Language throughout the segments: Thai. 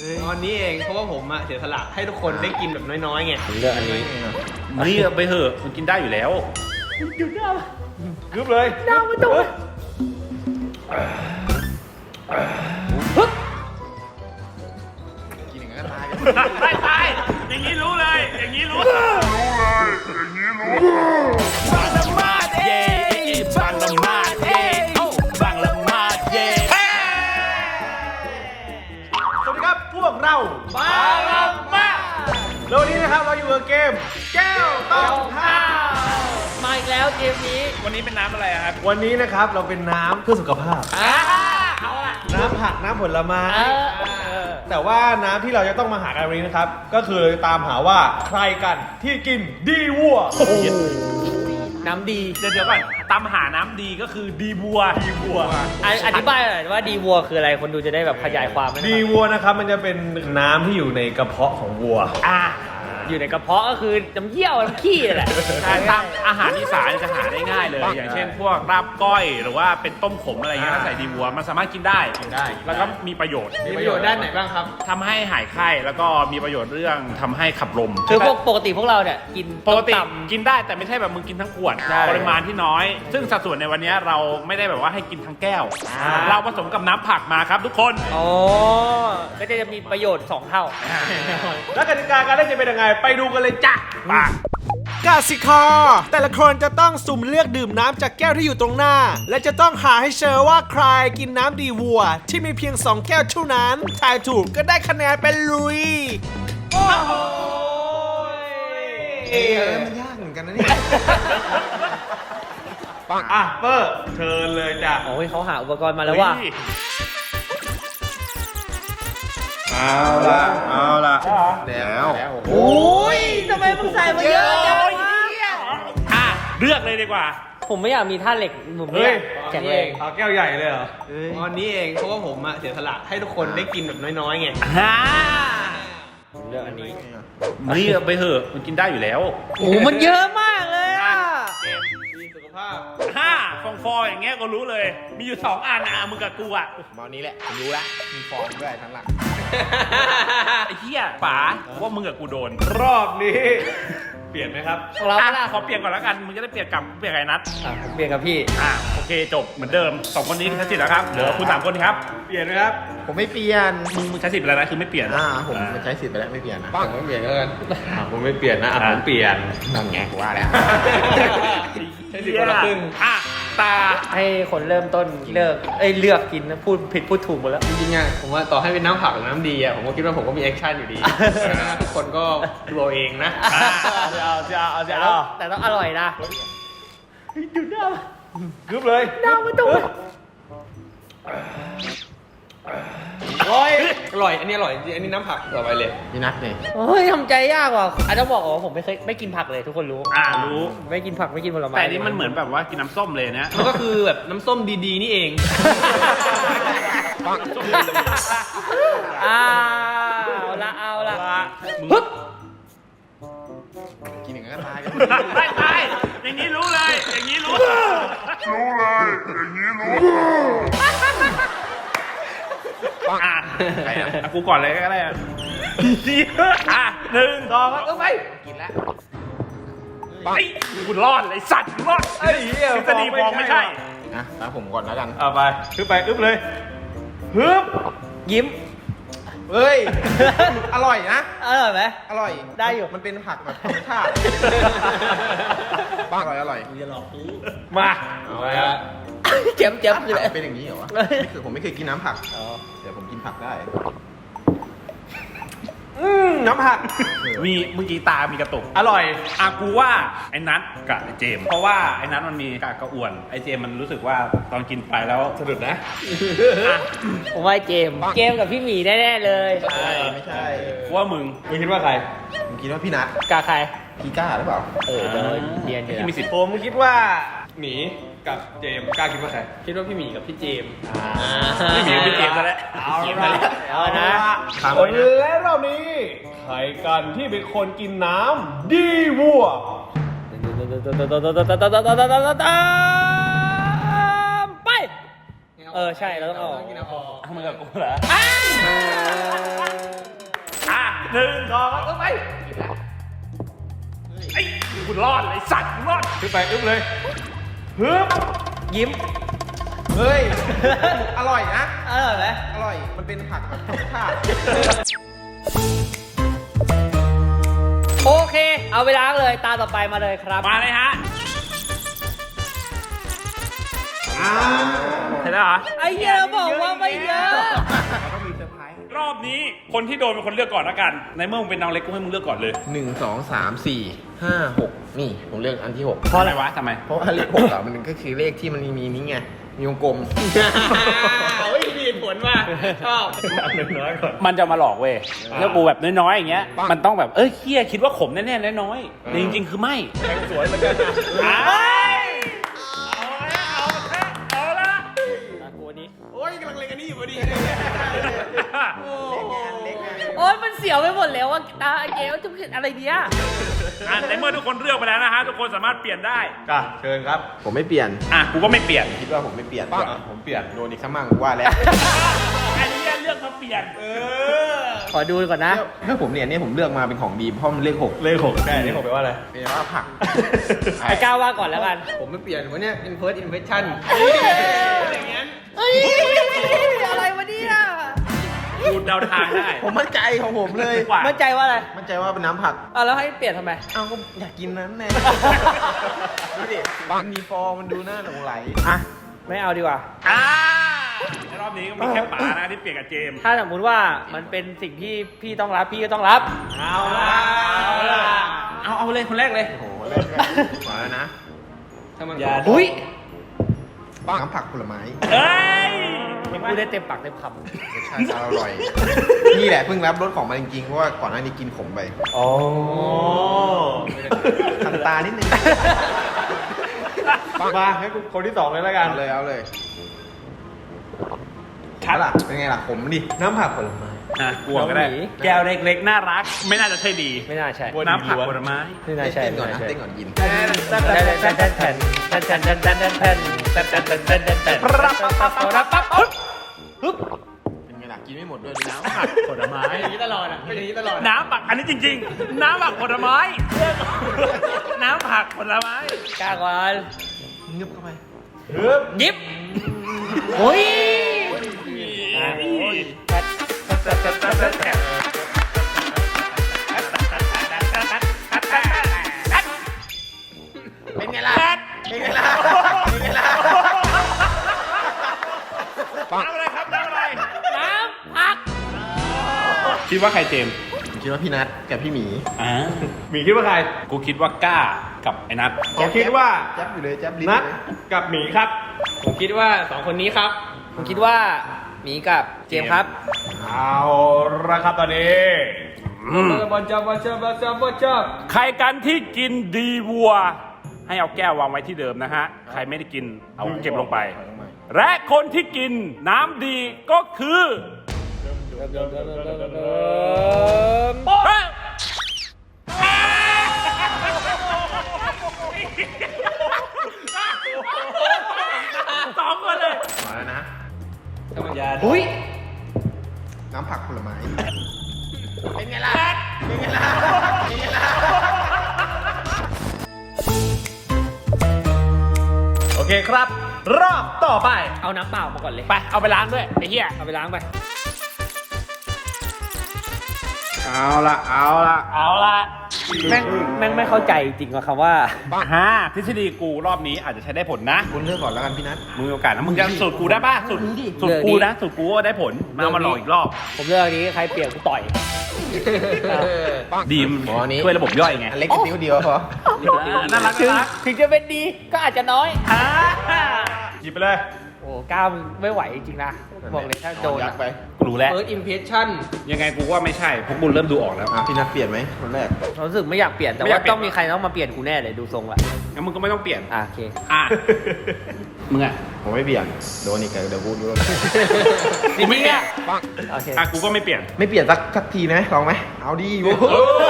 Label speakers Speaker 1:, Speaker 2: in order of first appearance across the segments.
Speaker 1: ตอนนี้เองเพราะว่าผมเสียสละให้ทุกคนได้กินแบบน้อยๆไง
Speaker 2: ผมเลือกอันนี้
Speaker 3: นี่ไปเถอะมันกินได้อยู่แล้ว
Speaker 1: กึบเลยน้ำมันตกกินอย่างนั้นก็ตายกัน
Speaker 3: ตายอย่างนี้รู้เลย อย่างนี้รู้บังละมาดเย่บังละมาดเย่บังละมาดเย่
Speaker 1: สวัสดีครับพวกเราบาลัมมาแล้ววันนี้นะครับเราอยู่กับเกมแก้วต้องห้าม
Speaker 2: มาอีกแล้วเกมนี้
Speaker 3: วันนี้เป็นน้ำอะไรครับ
Speaker 1: วันนี้นะครับเราเป็นน้ำเพื่อสุขภาพ
Speaker 2: เอาละ
Speaker 1: น้ำผักน้ำผลไม้
Speaker 2: เออ
Speaker 1: แต่ว่าน้ำที่เราจะต้องมาหากันวันนี้นะครับ ก็คือตามหาว่าใครกันที่กินดีวัว
Speaker 2: น้ำดี
Speaker 3: เดี๋ยวก่อนตามหาน้ำดีก็คือดีบัว
Speaker 2: อธิบายหน่อยว่าดีวัวคืออะไรคนดูจะได้แบบขยายความไหม
Speaker 1: ดีวัวนะครับมันจะเป็นน้ำที่อยู่ในกระเพาะของวัว
Speaker 2: อยู่ในกระเพาะก็คือน้ำเยี่ยวน้ำขี้แหละ
Speaker 3: ตามอาหารอีสานจะหาได้ง่ายเลย อย่างเช่นพวกลาบก้อยหรือว่าเป็นต้มขมอะไรเงี้ยใส่ดีบัวมันสามารถกินได้ แล้วก็มีประโยชน์
Speaker 1: มีประโยชน์ด้านไหนบ้างครับ
Speaker 3: ทำให้หายไข้แล้วก็มีประโยชน์เรื่องทำให้ขับลม
Speaker 2: คือพวกปกติพวกเราเนี่ยกิน
Speaker 3: ปกติ
Speaker 2: ต้มต
Speaker 3: กินได้แต่ไม่ใช่แบบมึงกินทั้งขวด
Speaker 2: ใช่
Speaker 3: ปริมาณที่น้อย ซึ่งสัดส่วนในวันนี้เราไม่ได้แบบว่าให้กินทั้งแก้ว
Speaker 2: อ่า
Speaker 3: เราผสมกับน้ำผักมาครับทุกคน
Speaker 2: ำอ๋อก็จะมีประโยชน์2เท่า
Speaker 1: แล้วกติกาการเล่นจะเป็นยังไงไปดูกันเลยจ้ะ
Speaker 4: กสิกรแต่ละคนจะต้องสุ่มเลือกดื่มน้ำจากแก้วที่อยู่ตรงหน้า และจะต้องหาให้เจอว่าใครกินน้ำดีวัว ที่มีเพียง 2 แก้วเท่านั้นทายถูกก็ได้คะแนนเป็นลุย
Speaker 1: มันยากเหมือนกันนะเนี่ยอ่ะเปอร์เชิญเลยจ้ะ
Speaker 2: โอ้ยเขาหาอุปกรณ์มาแล้วว่ะ
Speaker 1: เอาละแล้ว
Speaker 2: โอ้ยทำไมมึงใส่มาเยอะจังวะ
Speaker 3: เลือกเลยดีกว่า
Speaker 2: ผมไม่อยากมีท่าเหล็กผมไม่
Speaker 1: เฮ้
Speaker 2: อย ยากแข็งแรง
Speaker 1: เอาแก้วใหญ่เลยเหรอตอนนี้เองเพราะว่าผมเสียสละให้ทุกคนได้กินแบบน้อยๆไง
Speaker 2: ผมเลือกอันนี้
Speaker 3: นี่ไปเถอะมันกินได้อยู่แล้ว
Speaker 2: โอ้มันเยอะมากเลยอ่ะ
Speaker 1: เกมดีสุขภาพ
Speaker 3: ฟองอย่างเงี้ยก็รู้เลย มีอยู่2อันมึงกับกูอ่ะ
Speaker 1: มอนี้แหละผมรู้ละมีฟองด้วยทั้งหลัง
Speaker 3: ไอ้เหี้ยป๋าว่ามึงกับกูโดน
Speaker 1: รอบนี้ เปลี่ยนไหมครับ
Speaker 2: ของเรา
Speaker 3: ขอเปลี่ยนก่อนแล้วกัน มึงจะได้เปลี่ยนกับไอ้นัท
Speaker 2: ผมเปลี่ยนกับพี่
Speaker 3: โอเคจบเหมือนเดิม2คนนี้ใช้สิทธิ์แล้วครับเหลือคุณ3คนครับ
Speaker 1: เปลี่ยนไหมครับ
Speaker 5: ผมไม่เปลี่ยน
Speaker 3: มึงใช้สิทธิ์ไปแล้วนะคือไม่เปลี่ยน
Speaker 5: ผมใช้สิทธิ์ไปแล้วไม่เปลี่ยนนะ
Speaker 1: ผมไม่เปลี่ยนแล้วกันผมไม่เปลี่ยนนะผมเปลี่ยน
Speaker 5: นั่นไงกูว่าแล้ว
Speaker 1: ใช้สิทธิ์คนละครึ่ง
Speaker 3: ตา
Speaker 2: ให้คนเริ่มต้นเลือกกินนะพูดผิดพูดถูกหมดแล้ว
Speaker 1: จริงๆอ่ะผมว่าต่อให้เป็นน้ำผักหรือน้ำดีอ่ะผมก็คิดว่าผมก็มีแอคชั่นอยู่ดีทุกคนก็ดูเอาเองนะ
Speaker 2: แต่ต้องอร่อยนะ
Speaker 1: กึบเลย
Speaker 2: น้ำมันตก
Speaker 1: โอ้ยอร่อยอันนี้อร่อยจริงอันนี้น้ำผักต่อไปเลย
Speaker 5: พี่นัทเนี่ย
Speaker 2: เฮ้ยทำใจยากว่ะอาจจะบอกว่าผมไม่กินผักเลยทุกคนรู้
Speaker 3: รู้
Speaker 2: ไม่กินผักไม่กินผลไม้
Speaker 3: แต่อันนี้มันเหมือนแบบว่ากินน้ำส้มเลยนะ
Speaker 1: มันก็คือแบบน้ำส้มดีๆนี่เอง
Speaker 2: เอาละ
Speaker 3: มึง
Speaker 5: กินอย่างนั้นก็ตายกัน
Speaker 3: ตายอย่างนี้รู้เลย อย่างนี้รู้ กูก่อนเลยก็ได้1 2
Speaker 1: ไป
Speaker 5: กินแล้ว
Speaker 3: กูรอดเลยสัตว์กูรอด
Speaker 1: ไอ้เหี้ย
Speaker 3: ทฤษฎีฟองไม่ใช่
Speaker 5: นะตามผมก่อนแล้วกัน
Speaker 1: เอาไปขึ้นไปอึ๊บเลยฮึบ
Speaker 2: ยิ้ม
Speaker 5: เฮ้ย อร่อยนะ
Speaker 2: อร่อยไหม
Speaker 5: อร่อย
Speaker 2: ได้อยู่
Speaker 5: มันเป็นผักแบบธรรมชาติอร่อย อร่อย
Speaker 1: มาเอาไปครับ
Speaker 2: เจ็บคืออะไร
Speaker 5: เป็นอย่างนี้เหรอวะผมไม่เคยกินน้ำผักเดี๋ยวผมกินผักได้
Speaker 1: น้ำผัก
Speaker 3: มีเมื่อกี้ตามีกระตุก
Speaker 1: อร่อย
Speaker 3: กูว่าไอ้นัทกับไอ้เจมส์เพราะว่าไอ้นัทมันมีกระอ้วน ไอ้เจมส์มันรู้สึกว่าตอนกินไปแล้วสะดุดนะ
Speaker 2: ผมว่าเจมส์กับพี่หมีแน่ๆเลย
Speaker 5: ใช่ไม่ใช่
Speaker 3: กูว่ามึง
Speaker 1: มึงคิดว่าใคร
Speaker 5: ผมคิดว่าพี่นัท
Speaker 2: กาใคร
Speaker 5: พี่ก้าหรือเปล่า
Speaker 2: เดินเรียนอยู่
Speaker 3: ที่มีสิทธิ์
Speaker 1: ผมคิดว่าหมีกับเจมส์กล้าคิดว่าใครคิดว่าพี่หมีกับพี่เจมส์
Speaker 3: ไม่มีพี่เจมส์ซะแล้ว
Speaker 2: เอานะ
Speaker 1: และรอบนี้ใครกันที่เป็นคนกินน้ำดีวัว
Speaker 2: ไปใช่เราต้องออก
Speaker 3: มึงกับกูเหรอ 1 2ไปไอ้คุณรอดเลยสัตว์รอด
Speaker 1: ขึ้นไปอึ๊บเลยฮึบ
Speaker 2: ยิ้ม
Speaker 5: เฮ้ย อร่อยนะ
Speaker 2: อร่อยไหม
Speaker 5: อร่อย มันเป็นผักแบบธรรมชาติ
Speaker 2: โอเค เอาไปล้างเลยตาต่อไปมาเลยครับ
Speaker 3: มาเลยฮะเห็นแล้วเหรอ
Speaker 2: ไอ้เหี้ยเราบอกว่าไม่เยอะ
Speaker 3: รอบนี้คนที่โดนเป็นคนเลือกก่อนละกัน ในเมื่อมึงเป็นน้องเล็กกูให้มึงเลือกก่อนเลย
Speaker 5: 1 2 3 4 5 6 นี่ ผมเลือกอันที่ 6
Speaker 3: เพราะอะไรวะทำไม
Speaker 5: เพราะว่าเลข6อ่ะมันก็คือเลขที่มันมีนี้ไง มีวงกลม
Speaker 1: เฮ้ยมีผลว่ะชอบน้อยก่อน
Speaker 3: มันจะมาหลอกเว้ยแล้วกูแบบน้อยๆอย่างเงี้ย มันต้องแบบเคี้ยคิดว่าขมแน่ๆน้อยๆแต่จริงๆคือไม่
Speaker 1: แทงสวยเหมือนกันนะ
Speaker 3: เอาละ
Speaker 2: กูนี้
Speaker 1: โอ้ยกำลังเล็งอันนี้อยู่พอดี
Speaker 2: โอ๊ยมันเสียวไปหมดแล้วว่าตาเกลจะเป็นอะไรเนี้ย
Speaker 3: ในเมื่อทุกคนเลือกไปแล้วนะฮะทุกคนสามารถเปลี่ยนได้
Speaker 1: จ้ะเชิญครับ
Speaker 5: ผมไม่เปลี่ยน
Speaker 3: กูก็ไม่เปลี่ยน
Speaker 5: คิดว่าผมไม่เปลี่ยนผมเปลี่ยน โดนอีกสักมั่งกูว่าแล้ว
Speaker 3: อันนี้เลือกมาเปลี่ยน
Speaker 2: ขอดูก่อนนะ
Speaker 5: ถ้าผมเนี่ยผมเลือกมาเป็นของดีเพราะมันเลข6
Speaker 1: เลขหกได้นี่ผมแปลว่าอะไร
Speaker 5: เป็นว่าผัก
Speaker 2: ไอ้ก้าวว่าก่อนแล้วกัน
Speaker 5: ผมไม่เปลี่ยนวันเนี้ย first impression
Speaker 1: อย่างงั้น
Speaker 2: เฮ้ยอะไรวะเนี่ย
Speaker 3: ดูเดาทางได้
Speaker 5: ผมมั่นใจของผมเลย
Speaker 2: มั่นใจว่าอะไร
Speaker 5: มั่นใจว่าเป็นน้ำผัก
Speaker 2: แล้วให้เปลี่ยนทำไม
Speaker 5: เอ้าก็อยากกินนั้นแน่ ดูดิมันมีฟองมันดูน่าหลงไหล
Speaker 2: อ่ะ ไม่เอาดีกว่า
Speaker 3: ในรอบนี้ก็มีแค่ป๋านะที่เปลี่ยนกับเจมส์
Speaker 2: ถ้าสมมติว่ามันเป็นสิ่งที่พี่ต้องรับพี่ก็ต้องรับ
Speaker 1: เอาละเอาละ
Speaker 3: เอาเลยคนแรกเลย
Speaker 5: โอ้โหเล่นกันมาแล้วนะถ้ามัน
Speaker 3: อย่า
Speaker 2: อุ้ย
Speaker 5: น้ำผักผลไม้
Speaker 3: เฮ้ย
Speaker 2: พูดได้เต็มปากเต็มค
Speaker 5: รสชาติอร่อย นี่แหละเพิ่งรับรสของมันจริงๆ เพราะว่าก่อนหน้านี้กินขมไป
Speaker 1: โอ้
Speaker 5: คันตานิดนึง
Speaker 1: มาให้กูคนที่สองเลยแล้วกัน
Speaker 5: เอาเลยเอาเลย
Speaker 3: ครับ
Speaker 5: ล่ะเป็นไงล่ะขมดิ
Speaker 1: น้ำผักผลไม้
Speaker 3: กลัวก็ได้ แก้วเล็กๆน่ารัก ไม่น่าจะใช่ดี
Speaker 2: ำไม่น่าใช่
Speaker 3: น้ำผักผลไม้
Speaker 2: ไม่น่าใช่
Speaker 5: เต้นก่อน
Speaker 2: ไม่
Speaker 5: นะ
Speaker 2: น่าใช่
Speaker 5: เต้นก่อนกิน
Speaker 2: แผ่นแผ่นแผ่นแผ่นแผ่นแผ่นแผ่นแผ่นแผ่นแผ่นแผ่นแผ่นแผ่นแผ่นแผ่นแผ่นแผ่นฮึบ
Speaker 5: เป็นไงล่ะกินไม่หมดด้วยน้
Speaker 3: น้ำผักผลไม้
Speaker 2: อย่างนี้ตลอดอ่ะเป็นอย่างนี้ตลอด
Speaker 3: น้ำผักอันนี้จริงๆ น้ำผักผลไม้ น้ำผักผลไม้
Speaker 2: กล้าก่อน
Speaker 5: ำงึบเข้าไป
Speaker 2: ยิบโอ้ย
Speaker 5: เป็นไงล่ะเป็นไงล่ะเป็นไงล่ะ
Speaker 3: น้ำอะไรครับน้ำอะไร
Speaker 2: น้ำผัก
Speaker 3: คิดว่าใครเจมส์
Speaker 5: ผมคิดว่าพี่นัทกับพี่หมี
Speaker 1: หมีคิดว่าใคร
Speaker 3: กูคิดว่าก้ากับไอ้นัท
Speaker 1: ผมคิดว่า
Speaker 5: แจ๊บอยู่เลยแจ๊บลิ้น
Speaker 1: นัด
Speaker 5: เลย
Speaker 1: กับหมีครับ
Speaker 2: ผมคิดว่าสองคนนี้ครับ ผมคิดว่าหมีกับเจมส์ครับ
Speaker 1: เอาละครับตอนนี้ บอลจับบอลจับบอลจับบอลจับ
Speaker 3: ใครกันที่กินดีวัว ให้เอาแก้ววางไว้ที่เดิมนะฮะ ใครไม่ได้กินเอาเก็บลงไป และคนที่กินน้ำดีก็คือเฮ้ยสองคนเลย
Speaker 5: มาแล้วนะ
Speaker 2: อุ้ย
Speaker 5: น้ำผักผลไม้
Speaker 2: เป็นไงล่ะ
Speaker 5: เป็นไงล่ะเป็นไงล่ะ
Speaker 1: โอเคครับ รอบต่อไป
Speaker 2: เอาน้ำเปล่ามาก่อนเลย
Speaker 3: ไป เอาไปล้างด้วยไอ้เหี้ย
Speaker 2: เอาไปล้างไป
Speaker 1: เอาละเอาละ
Speaker 3: เอาละ
Speaker 2: แม่งไม่เข้าใจจริงว่าคำว่า
Speaker 3: ทฤษฎีกูรอบนี้อาจจะใช้ได้ผลนะ
Speaker 5: คุณเลือกก่อนแล้วกันพี่นัท
Speaker 3: มึงมีโอกาสนะมึงจะสูตรกูได้ป่ะสูตรกูนะสูตรกูก็ได้ผลมาหลอกอีกรอบ
Speaker 2: ผมเลือกอันนี้ใครเปลี่ยนกูต่อย
Speaker 3: ดีม
Speaker 5: อ๋ออันนี้
Speaker 3: ช่วยระบบย่อยไง
Speaker 5: อันเล็กกระติ้วเดียวพอ
Speaker 3: น่ารัก
Speaker 2: ถึง
Speaker 3: น่ารัก
Speaker 2: ถึงจะเป็นดีก็อาจจะน้อย
Speaker 1: หยิบไปเลย
Speaker 2: โอ้ก้าวไม่ไหวจริงๆนะ บอกเลยถ้าโดน
Speaker 5: ยั
Speaker 2: อะ
Speaker 5: ดไป
Speaker 3: กูรู้แล้ว
Speaker 2: First impression
Speaker 3: ยังไงกูว่าไม่ใช่เพราะกูเริ่มดูออกแล้ว
Speaker 5: พี่นัทเปลี่ยนไหมคนแรก
Speaker 2: รู้สึกไม่อยากเปลี่ยนแต่
Speaker 3: ไม่อยา
Speaker 2: ว่าก
Speaker 3: เปลี่ยน
Speaker 2: ต้องมีใครต้องมาเปลี่ยนกูแน่เลยดูทรงละ
Speaker 3: งั้นมึงก็ไม่ต้องเปลี่ยน
Speaker 2: โอเค
Speaker 3: อ่ะมึงอ่ะ
Speaker 5: ผมไม่เปลี่ยน โดนอีกเดี๋ยวพูดด้วย
Speaker 3: กูไม่เปลี่ยน
Speaker 2: โอเค
Speaker 3: อ่ะกูก็ไม่เปลี่ยน
Speaker 5: ไม่เปลี่ยนสักทีนะลองไหม เอาดิโว้ย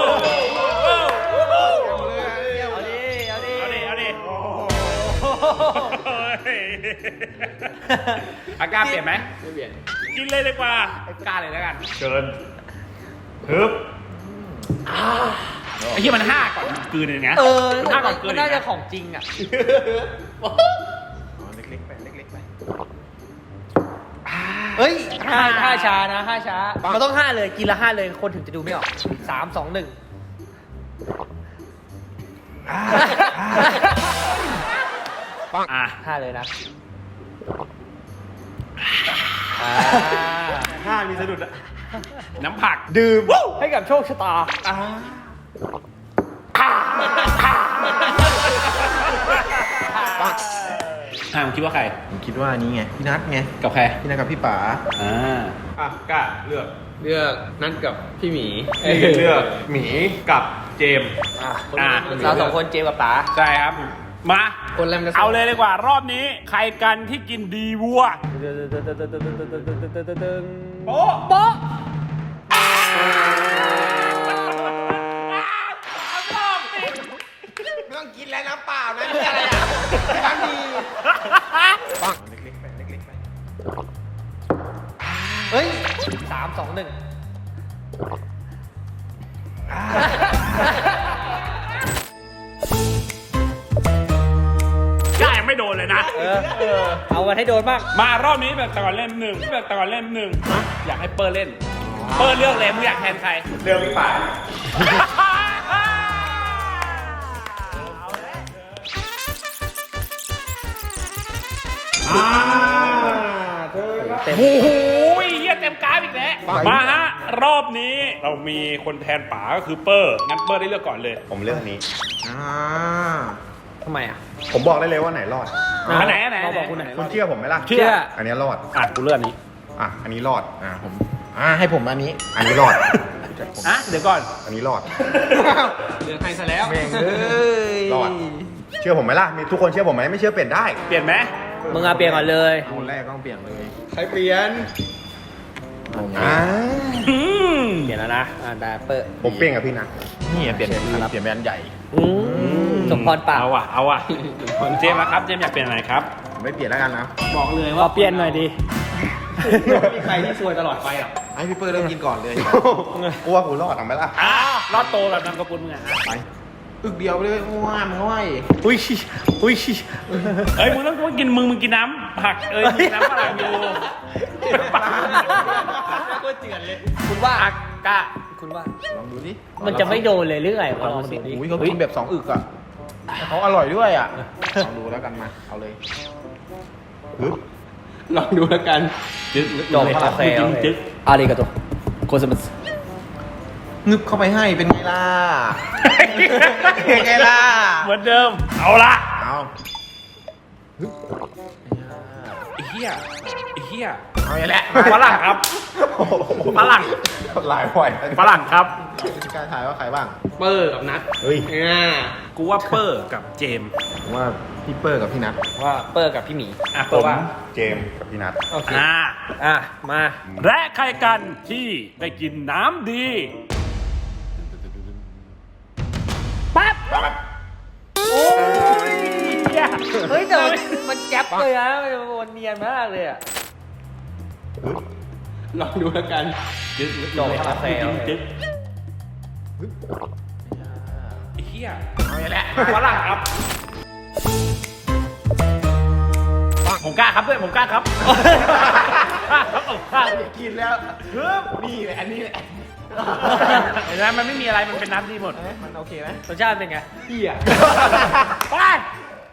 Speaker 2: เอาดิ เอาดิ
Speaker 3: เอาดิเอาดิอากล้าเปลี่ยนไหม
Speaker 2: ไม่เปลี่ยน
Speaker 3: กินเลยดีกว่า
Speaker 2: กล้าเลยแล้วกัน
Speaker 1: เชิญฮึบ
Speaker 3: ไอ้ที่มัน5ก่อนกลืนเลยนะ มัน5ก่อนกลืน
Speaker 2: มัน
Speaker 3: เลย
Speaker 2: น่าจะ
Speaker 3: นะ
Speaker 2: ของจริงอ่ะ
Speaker 5: เล็กๆไปเล็กๆไป
Speaker 2: เฮ้ยห้าช้านะ5ช้ามันต้อง5เลยกินละ5เลยคนถึงจะดูไม่ออก3 2 1
Speaker 3: อ่ะ
Speaker 2: 5เลยนะ
Speaker 1: ห้ามีสะดุดอะ
Speaker 3: น้ำผัก
Speaker 1: ดื่ม
Speaker 2: ให้กับโชคชะตา
Speaker 3: มึงคิดว่าใคร
Speaker 5: ผมคิดว่านี้ไงพี่นัทไง
Speaker 3: กับใคร
Speaker 5: พี่นัทกับพี่ป๋า
Speaker 1: อ่ะกล้าเลือก
Speaker 6: เลือกนัดกับพี่หมี
Speaker 1: เลือกหมีกับเจมส์
Speaker 2: เรา2คนเจมกับป๋า
Speaker 3: ใช่ครับ มา
Speaker 6: คนแรมจะ
Speaker 3: เอาเลยดีกว่ารอบนี้ ใครกันที่กินดีวัว
Speaker 1: โป๊ะ
Speaker 2: โป๊ะ
Speaker 5: ไม่ต้องกินแล้วน้ำเปล่านะนี่อะไรอ่ะน้ำดีเล็กๆไปเล็กๆไป
Speaker 2: เฮ้ย3 2 1
Speaker 3: กล้ายังไม่โดนเลยนะ
Speaker 2: เอาวันให้โดนบ้าง
Speaker 3: มารอบนี้แบบตะกอนเล่มหนึ่งแบบตะกอนเล่มหนึ่งอยากให้เปิร์เล่น เปิร์เลือกเลยมึงอยากแทนใคร
Speaker 1: เลือกพี่ป่า
Speaker 2: เต็ม
Speaker 3: โอ้โหเยี่ยเต็มกราฟอีกแล้วมาฮะรอบนี้เรามีคนแทนป๋าก็คือเปอร์งั้นเปอร์ได้เลือกก่อนเลย
Speaker 7: ผมเลือกอันนี้
Speaker 2: ทำไมอ่ะ
Speaker 7: ผมบอกได้เลยว่าไหนรอด
Speaker 3: อันไหนอันไหน
Speaker 2: เราบอกคุณไหน
Speaker 7: คุณเชื่อผมไหมล่ะ
Speaker 3: เชื่อ
Speaker 7: อันนี้รอด
Speaker 3: อ่ะกูเลือกอันนี้
Speaker 7: อ่ะ อันนี้รอด
Speaker 5: ผมให้ผมอันนี้
Speaker 7: อันนี้รอด
Speaker 3: อ่ะเดี๋ยวก่อน
Speaker 7: อันนี้รอด
Speaker 6: เลือกให้ซะแล้ว
Speaker 5: แม่งเอ้ย
Speaker 7: รอด เชื่อผมไหมล่ะ มีทุกคนเชื่อผมไหมไม่เชื่อเปลี่ยนได้
Speaker 3: เปลี่ยนไหม
Speaker 2: มึงเอาเปลี่ยนก่อนเลย
Speaker 5: คนแรกต้องเปลี่ยนเลย
Speaker 1: ใครเปลี่ยน
Speaker 7: อ่า
Speaker 3: อืม
Speaker 2: เปลี่ยนแล้วนะได้เปิด
Speaker 7: ผมเปลี่ยนกับพี่นะ
Speaker 5: นี่เปลี่ยนเปลี่ยนเป็นอันใหญ่
Speaker 2: สมพรปาก
Speaker 3: เอาอ่ะเอาอ่ะเจมส์นะครับเจมส์อยากเปลี่ยนอะไรครับ
Speaker 5: ผมไม่เปลี่ยนแล้วกันนะ
Speaker 6: บอกเลย
Speaker 2: ข
Speaker 6: ว่า
Speaker 2: อเปลี่ยนหน่อยดิ
Speaker 6: ไม่มีใครที่ซวยตลอดไปหรอก
Speaker 5: ให้พี่เปิ้ลเริ่มกินก่อนเลย
Speaker 7: กลัวกูรอดเอาไหมล่ะ
Speaker 3: รอดโตแบบนามสกุลมึงอ่ะ
Speaker 5: ไปอึกเดียวไปเลยว้ามง่อย
Speaker 2: อุ้ย
Speaker 3: เอ้ยมึงต้องกินมึงกินน้ำผักมึงกินน้ำฝรั่งอยู่
Speaker 6: ก็เจือนเลย
Speaker 2: คุณว่าอากะคุณว่า
Speaker 5: ลองดูดิ
Speaker 2: มันจะไม่โดนเลยหรือไงลองดูดิ
Speaker 5: อุ้ยเขากินแบบ2อึกอ่ะเขาอร่อยด้วยอ่ะลองดูแล้วกันมาเอาเลย
Speaker 6: ลองดูแล้วกัน
Speaker 2: จบโอเคโอเคอาริกาโตโคสมัส
Speaker 5: งึบเข้าไปให้เป็นไงล่ะ เป็นไงล่ะ
Speaker 3: เหมือนเดิม เอาละ
Speaker 5: เอา
Speaker 3: ไอ้เหี้ยไอ้เหี้ย
Speaker 5: เอาอย่างแหละ
Speaker 3: ฝรั่งครับฝรั่ง
Speaker 7: หลายบ่อย
Speaker 3: ฝรั่งครับ
Speaker 5: กล้าทายว่าใครบ้าง
Speaker 6: เปอร์กับนัด
Speaker 5: เฮ้ย
Speaker 3: กูว่าเปอร์กับเจมส์
Speaker 5: ผมว่าพี่เปิ้ลกับพี่นัท
Speaker 2: ว่าเปิดกับพี่หมี
Speaker 3: อ่ะ
Speaker 7: ผ
Speaker 3: เปอร์
Speaker 7: ม
Speaker 3: ว่า
Speaker 7: เจมส์กับพี่นัท
Speaker 2: โอเค
Speaker 3: อ่า
Speaker 2: มา
Speaker 3: และใครกันที่ได้กินน้ำดี
Speaker 2: ปั๊บโอ้ยเฮ้ยแต่มันแก๊ปเลยนะมันเนียนมากเลยอ่ะ
Speaker 6: ลองดูแล้วกัน
Speaker 2: จบโอเคโอเค
Speaker 3: ไอ้เหี้ย
Speaker 5: เอาอย่างแหละ
Speaker 3: ฝรั่งครับ ผมกล้าครับด้วยผมกล้าครับกล้า
Speaker 5: กินแล้วนี่แหละอันนี้แหละ
Speaker 3: เห็นไหมมันไม่มีอะไรมันเป็นน้ำดีหมด
Speaker 5: มันโอเคไหม
Speaker 2: รสชาติเป็นไง
Speaker 6: เหี้ย
Speaker 3: ไป